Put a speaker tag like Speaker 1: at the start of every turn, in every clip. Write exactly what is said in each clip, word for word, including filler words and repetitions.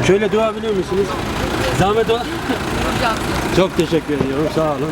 Speaker 1: Şöyle dua biliyor musunuz? Zahmet o. Çok teşekkür ediyorum. Sağ olun.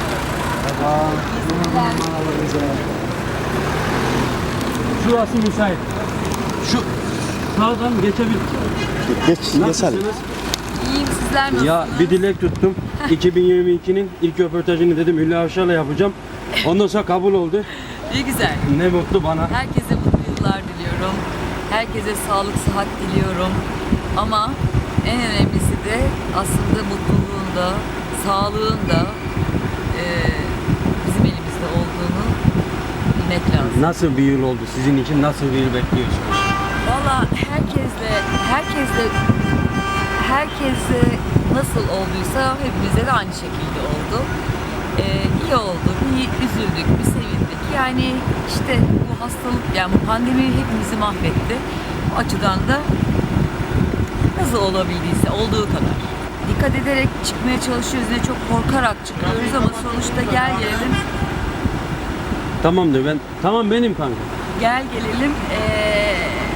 Speaker 1: Şurası müsait. Şu sağdan geçebilir.
Speaker 2: Geç, geçelim.
Speaker 1: Nasılsınız?
Speaker 3: İyiyim, sizler nasılsınız?
Speaker 1: Ya bir dilek tuttum. iki bin yirmi ikinin ilk röportajını dedim Hülya Avşar'la yapacağım. Ondan sonra kabul oldu.
Speaker 3: Ne güzel.
Speaker 1: Ne mutlu bana.
Speaker 3: Herkese mutlu yıllar diliyorum. Herkese sağlık, sıhhat diliyorum. Ama en önemlisi de aslında mutluluğunda, sağlığında e, bizim elimizde olduğunu bilmek lazım.
Speaker 1: Nasıl bir yıl oldu sizin için? Nasıl bir yıl bekliyorsunuz?
Speaker 3: Valla herkesle, herkesle, herkesle nasıl olduysa hepimize de aynı şekilde oldu. Ee, iyi oldu, bir üzüldük, bir sevindik. Yani işte bu hastalık, yani bu pandemi hepimizi mahvetti. O açıdan da nasıl olabildiyse olduğu kadar. Dikkat ederek çıkmaya çalışıyoruz, ne çok korkarak çıkıyoruz ama sonuçta gel gelelim,
Speaker 1: Tamamdır ben. Tamam benim kanka.
Speaker 3: gel gelelim. Ee,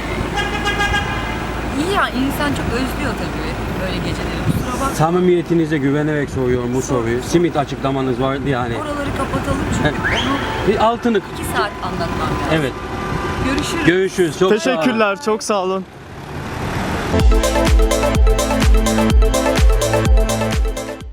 Speaker 3: iyi ya, insan çok özlüyor tabii böyle geceleri, kusura bakma.
Speaker 1: Samimiyetinize güvenerek soruyorum bu soruyu. Simit açıklamanız vardı yani.
Speaker 3: Oraları kapatalım çünkü onu
Speaker 1: Bir altını.
Speaker 3: iki saat anlatmam lazım.
Speaker 1: Evet.
Speaker 3: Görüşürüz.
Speaker 1: Görüşürüz. Çok sağ olun.
Speaker 2: Teşekkürler, çok sağ olun.